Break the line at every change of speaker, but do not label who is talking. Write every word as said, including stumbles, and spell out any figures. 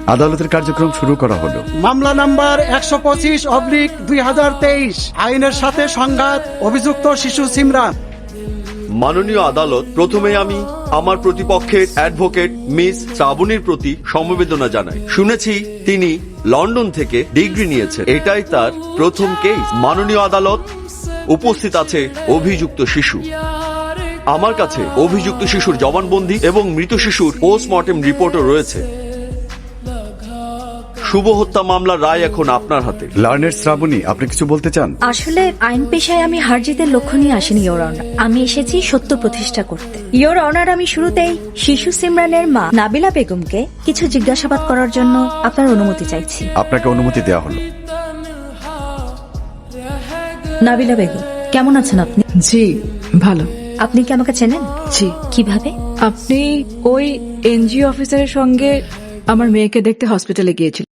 আদালতের কার্যক্রম শুরু করা হলো।
মামলা নাম্বার একশো পঁচিশ অবলিক দুই হাজার তেইশ, আইনের সাথে সংঘাত, অভিযুক্ত শিশু সিমরান।
মাননীয় আদালত, প্রথমে আমি আমার প্রতিপক্ষের অ্যাডভোকেট মিস শ্রাবণীর প্রতি সমবেদনা জানাই। শুনেছি তিনি লন্ডন থেকে ডিগ্রি নিয়েছেন, এটাই তার প্রথম কেস। মাননীয় আদালত, উপস্থিত আছে অভিযুক্ত শিশু। আমার কাছে অভিযুক্ত শিশুর জবানবন্দি এবং মৃত শিশুর পোস্টমর্টেম রিপোর্টও রয়েছে। শুভ হত্যা মামলার রায় এখন আপনার হাতে।
লার্নের শ্রাবণী, আপনি কিছু বলতে চান?
আসলে আইন পেশায় আমি হার জিতের লক্ষ্য নিয়ে আসিনি ইয়োর অনার, আমি এসেছি সত্য প্রতিষ্ঠা করতে। ইয়োর অনার, আমি শুরুতেই শিশু সিমরানের মা নাবিলা বেগমকে কিছু জিজ্ঞাসাবাদ করার জন্য আপনার অনুমতি চাইছি।
আপনাকে অনুমতি দেওয়া হলো।
নাবিলা বেগম, কেমন আছেন আপনি?
জি ভালো।
আপনি কি আমাকে চেনেন?
জি।
কিভাবে?
আপনি ওই এনজিও অফিসারের সঙ্গে আমার মেয়েকে দেখতে হসপিটালে গিয়েছিলেন।